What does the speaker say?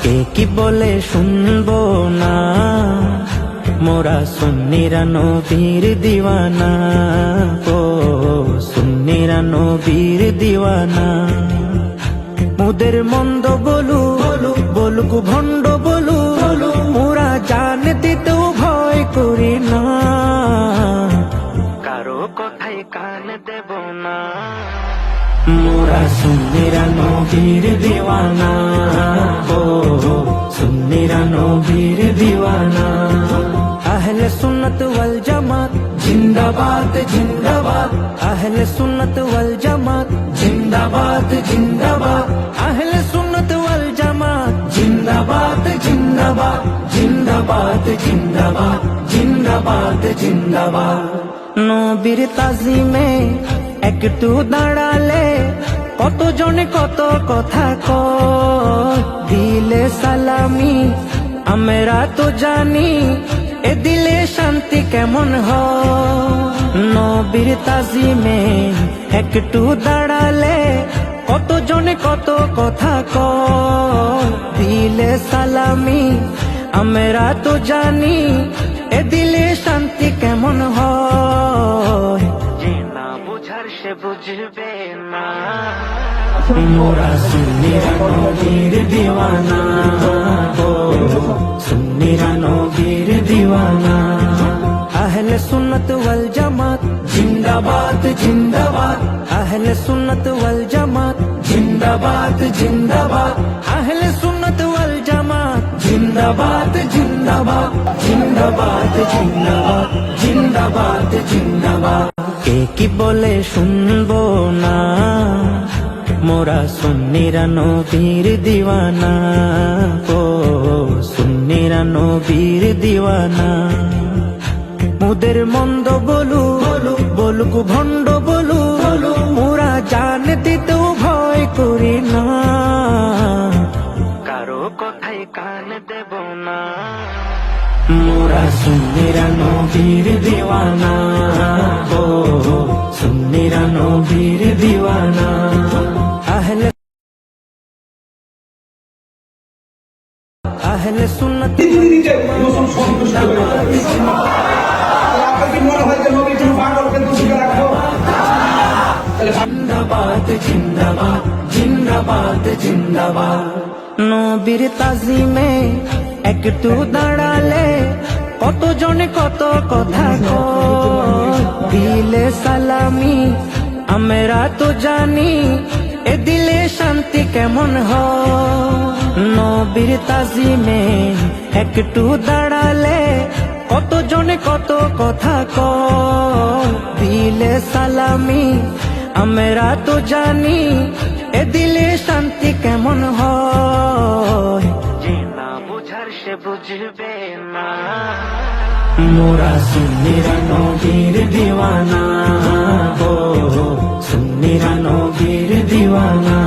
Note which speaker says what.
Speaker 1: কে কি বলে শুনবো না, মোরা সুন্নিরা নবীর দিওয়ানা। ও সুন্নিরা নবীর দিওয়ানা। মুদের মন্দ বলু বলুক ভণ্ড বলু, মোরা জান দিতেও ভয় করি না, কারো কথায় কান দেব না। মোরা সুন্নিরা নবীর দিওয়ানা। ও সুন্নিরা নবীর দিওয়ানা। আহলে সুন্নত ওয়াল জামাত জিন্দাবাদ জিন্দাবাদ। আহলে সুন্নত ওয়াল জামাত জিন্দাবাদ জিন্দাবাদ। আহলে সুন্নত ওয়াল জামাত জিন্দাবাদ জিন্দাবাদ। জিন্দাবাদ জিন্দাবাদ জিন্দাবাদ জিন্দাবাদ। নবীর তাজিমে একটু দাঁড়ালে কত জনে কত কথা কয়, দিলে সালামি আমরা তো জানি, এ দিলে শান্তি কেমন হয়। নবীর তাজিমে একটু দাঁড়ালে কত জনে কত কথা কয়, দিলে সালামি আমরা তো জানি, এ দিলে শান্তি কেমন হয়। যে না বুঝার সে বুঝবে না। মোরা সুন্নিরা নবীর দিওয়ানা। ও সুন্নিরা নবীর দিওয়ানা। আহলে সুন্নত ওয়াল জামাত জিন্দাবাদ জিন্দাবাদ। আহলে সুন্নত ওয়াল জামাত জিন্দাবাদ জিন্দাবাদ। আহলে সুন্নত ওয়াল জামাত জিন্দাবাদ জিন্দাবাদ। জিন্দাবাদ জিন্দাবাদ জিন্দাবাদ জিন্দাবাদ। কে কি বলে শুনবো না, মোরা সুন্নিরা নবীর দিওয়ানা। ও সুন্নিরা নবীর দিওয়ানা। মুদের মন্দ বলু বলুক ভণ্ড বলু, মোরা জান দিতেও ভয় করি না, কারো কথায় কান দেব না। মোরা সুন্নিরা নবীর দিওয়ানা। ও সুন্নিরা নবীর দিওয়ানা। আহলে আহলে সুন্নত জিন্দাবাদ জিন্দাবাদ জিন্দাবাদ জিন্দাবাদ। নবীর তাজিমে একটু দাঁড়ালে কত জনে কত কথা কয়, দিলে সালামি আমরা তো জানি, এ দিলে শান্তি কেমন হয়। নবীর তাজিমে একটু দাঁড়ালে কত জনে কত কথা কয়, দিলে সালামি আমরা তো জানি, এ দিলে শান্তি কেমন হয়। যে না বুঝার সে বুঝবে না। মোরা সুন্নিরা নবীর দিওয়ানা। ও সুন্নিরা নবীর দিওয়ানা।